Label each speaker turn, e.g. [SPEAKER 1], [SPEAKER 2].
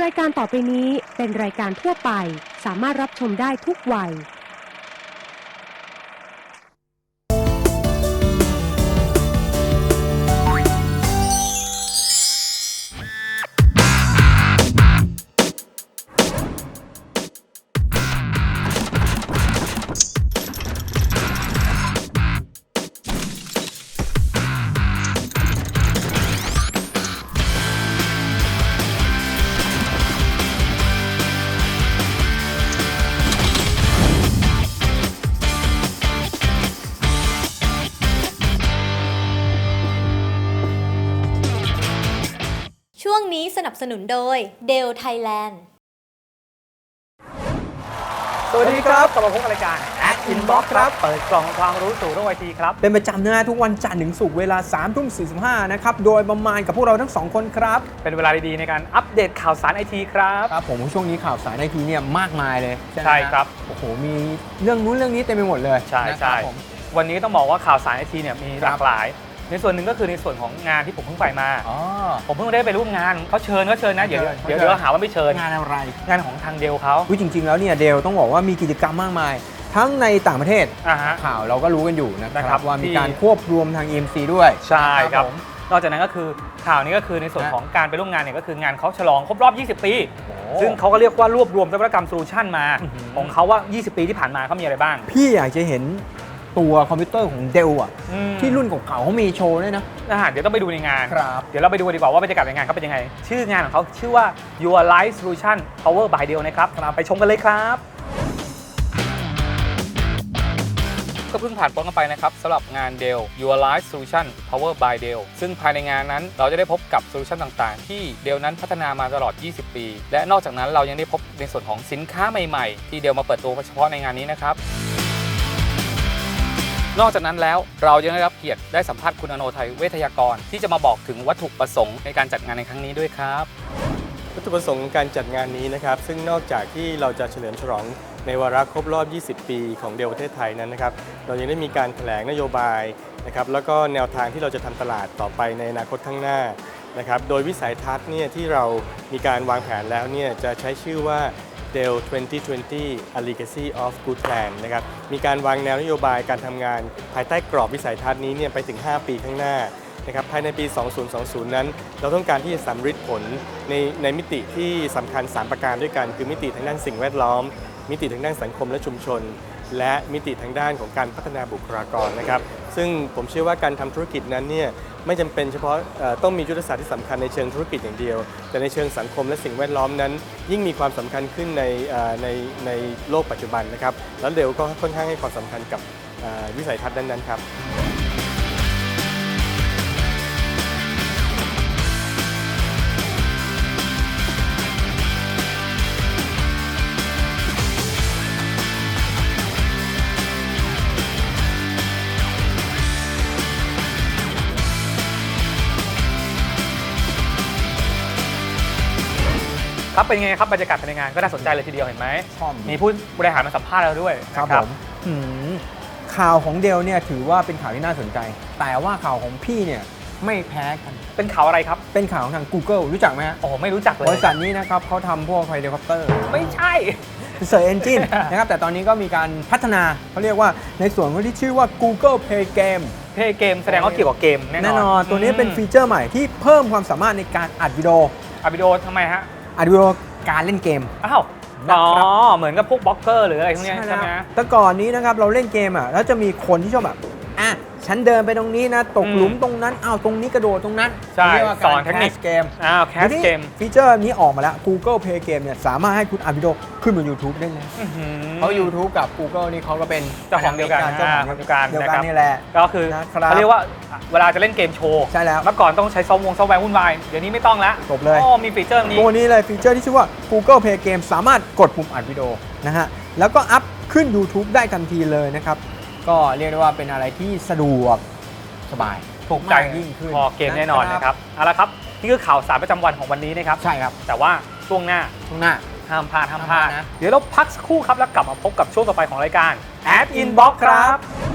[SPEAKER 1] รายการต่อไปนี้เป็นรายการทั่วไปสามารถรับชมได้ทุกวัย
[SPEAKER 2] ช่วงนี้สนับสนุนโดย Dell Thailand
[SPEAKER 3] สวัสดีครับกลับมาพบกับรายการ Inbox ครับเปิดกล่องความรู้สู่โลกไอทีครับ
[SPEAKER 4] เป็นประจำนะทุกวันจันทร์ถึงศุกร์เวลา 3:45 นะครับโดยประมาณกับพวกเราทั้ง2คนครับ
[SPEAKER 3] เป็นเวลาดีๆในการอัปเดตข่าวสารไอทีครับ
[SPEAKER 4] ครับผมช่วงนี้ข่าวสารไอทีเนี่ยมากมายเลย
[SPEAKER 3] ใช่ครับ
[SPEAKER 4] โอ้โหมีเรื่องนู้นเรื่องนี้เต็มไปหมดเลย
[SPEAKER 3] ใช่ใช่วันนี้ต้องบอกว่าข่าวสารไอทีเนี่ยมีหลากหลายในส่วนหนึ่งก็คือในส่วนของงานที่ผมเพิ่งไปมาผมเพิ่งได้ไปร่วมงานเขาเชิญนะเดี๋ยวหาว่าไม่เชิญ
[SPEAKER 4] งานอะไร
[SPEAKER 3] งานของทางเดลเขา
[SPEAKER 4] จริงๆแล้วเนี่ยเดลต้องบอกว่ามีกิจกรรมมากมายทั้งในต่างประเทศข่าวเราก็รู้กันอยู่นะครับว่ามีการควบรวมทาง EMC ด้วย
[SPEAKER 3] ใช่ครับนอกจากนั้นก็คือข่าวนี้ก็คือในส่วนของการไปร่วมงานเนี่ยก็คืองานเขาฉลองครบรอบ 20 ปีซึ่งเขาก็เรียกว่ารวบรวมนวัตกรรมโซลูชันมาของเขาว่า 20 ปีที่ผ่านมาเขามีอะไรบ้าง
[SPEAKER 4] พี่อยากจะเห็นตัวคอมพิวเตอร์ของเดลอ่ะที่รุ่นเก่าๆเขามีโชว์ด้วยนะ
[SPEAKER 3] เดี๋ยวต้องไปดูในงาน
[SPEAKER 4] ครับ
[SPEAKER 3] เดี๋ยวเราไปดูดีกว่าว่าบรรยากาศในงานเขาเป็นยังไงชื่องานของเขาชื่อว่า Your Life Solution Power by Dell นะครับไปชมกันเลยครับก็เพิ่งผ่านพ้นกันไปนะครับสำหรับงาน Dell Your Life Solution Power by Dell ซึ่งภายในงานนั้นเราจะได้พบกับโซลูชันต่างๆที่ Dell นั้นพัฒนามาตลอด 20 ปี และนอกจากนั้นเรายังได้พบในส่วนของสินค้าใหม่ๆที่ Dell มาเปิดตัวเฉพาะในงานนี้นะครับนอกจากนั้นแล้วเรายังได้รับเกียรติได้สัมภาษณ์คุณอโนไทยเวทยากรที่จะมาบอกถึงวัตถุประสงค์ในการจัดงานในครั้งนี้ด้วยครับ
[SPEAKER 5] วัตถุประสงค์การจัดงานนี้นะครับซึ่งนอกจากที่เราจะเฉลิมฉลองในวาระครบรอบ 20 ปีของเดลประเทศไทยนั้นนะครับเรายังได้มีการแถลงนโยบายนะครับแล้วก็แนวทางที่เราจะทำตลาดต่อไปในอนาคตข้างหน้านะครับโดยวิสัยทัศน์เนี่ยที่เรามีการวางแผนแล้วเนี่ยจะใช้ชื่อว่า Dell 2020 A Legacy of Good Plan นะครับมีการวางแนวนโยบายการทำงานภายใต้กรอบวิสัยทัศน์นี้เนี่ยไปถึง 5 ปีข้างหน้านะครับภายในปี 2020 นั้นเราต้องการที่จะสำฤทธิ์ผลในมิติที่สำคัญ 3 ประการด้วยกันคือมิติทางด้านสิ่งแวดล้อมมิติทางด้านสังคมและชุมชนและมิติทางด้านของการพัฒนาบุคลากรนะครับซึ่งผมเชื่อว่าการทำธุรกิจนั้นเนี่ยไม่จำเป็นเฉพาะต้องมียุทธศาสตร์ที่สำคัญในเชิงธุรกิจอย่างเดียวแต่ในเชิงสังคมและสิ่งแวดล้อมนั้นยิ่งมีความสำคัญขึ้นในโลกปัจจุบันนะครับแล้วเดลก็ค่อนข้างให้ความสำคัญกับวิสัยทัศน์นั้นๆครับ
[SPEAKER 3] ครับเป็นไงครับบรรยากาศภายในงานก็น่าสนใจเลยทีเดียวเห็นไหมมีผู้บริหารมาสัมภาษณ์เราด้วย
[SPEAKER 4] ครับผมข่าวของเดลเนี่ยถือว่าเป็นข่าวที่น่าสนใจแต่ว่าข่าวของพี่เนี่ยไม่แพ้กัน
[SPEAKER 3] เป็นข่าวอะไรครับ
[SPEAKER 4] เป็นข่าวของทาง Google รู้จักไหมฮะ
[SPEAKER 3] โอ้ไม่รู้จักเลย
[SPEAKER 4] บริษัทนี้นะครับเขาทำพวกไฮลิคอปเตอร์
[SPEAKER 3] ไม่ใช่
[SPEAKER 4] Search Engine นะครับแต่ตอนนี้ก็มีการพัฒนาเขาเรียกว่าในส่วนที่ชื่อว่า Google Play Game
[SPEAKER 3] Play Game แสดงว่าเกี่ยวกับเกมแน่นอน
[SPEAKER 4] ตัวนี้เป็นฟีเจอร์ใหม่ที่เพิ่มความสามารถในการอัดวิดีโอ
[SPEAKER 3] ทำไมฮะ
[SPEAKER 4] อัดวิดีโอการเล่นเกม
[SPEAKER 3] เหมือนกับพวกบล็อกเกอร์หรืออะไรพวกนี้ใช่ไหม
[SPEAKER 4] แต่ก่อนนี้นะครับเราเล่นเกมแล้วจะมีคนที่ชอบแบบฉันเดินไปตรงนี้นะตกหลุมตรงนั้นตรงนี้กระโดดตรงนั้น
[SPEAKER 3] ใช่สอนเทคนิค
[SPEAKER 4] เกม
[SPEAKER 3] แคสเกม
[SPEAKER 4] ฟีเจอร์นี้ออกมาแล้ว Google Play Game เนี่ยสามารถให้คุณอัดวิดีโอขึ้นบน YouTube ได้เลยเพราะ YouTube กับ Google นี่เขาก็เป็น
[SPEAKER 3] เจ้าของเดียวกัน
[SPEAKER 4] นี่แหละ
[SPEAKER 3] ก็คือเขาเรียกว่าเวลาจะเล่นเกมโชว์
[SPEAKER 4] ใช่แล้ว
[SPEAKER 3] เมื่อก่อนต้องใช้ซอฟต์แวร์วุ่นวายเดี๋ยวนี้ไม่ต้องแล้ว
[SPEAKER 4] จบเลย
[SPEAKER 3] มีฟีเจอร์นี้
[SPEAKER 4] ตัวนี้เลยฟีเจอร์ที่ชื่อว่า Google Play Game สามารถกดปุ่มอัดวิดีโอนะฮะแล้วก็อัพขึ้น YouTube ได้ทันทีเลยนะครับก็เรียกได้ว่าเป็นอะไรที่สะดวกสบาย
[SPEAKER 3] ถูกใจยิ่งขึ้นพอเกมแน่นอนนะครับเอาละครับนี่คือข่าวสารประจำวันของวันนี้นะครับ
[SPEAKER 4] ใช่ครับ
[SPEAKER 3] แต่ว่าช่วงหน้าห้ามพลาดนะเดี๋ยวเราพักสักครู่ครับแล้วกลับมาพบกับช่วงต่อไปของรายการ Ad Inbox ครับ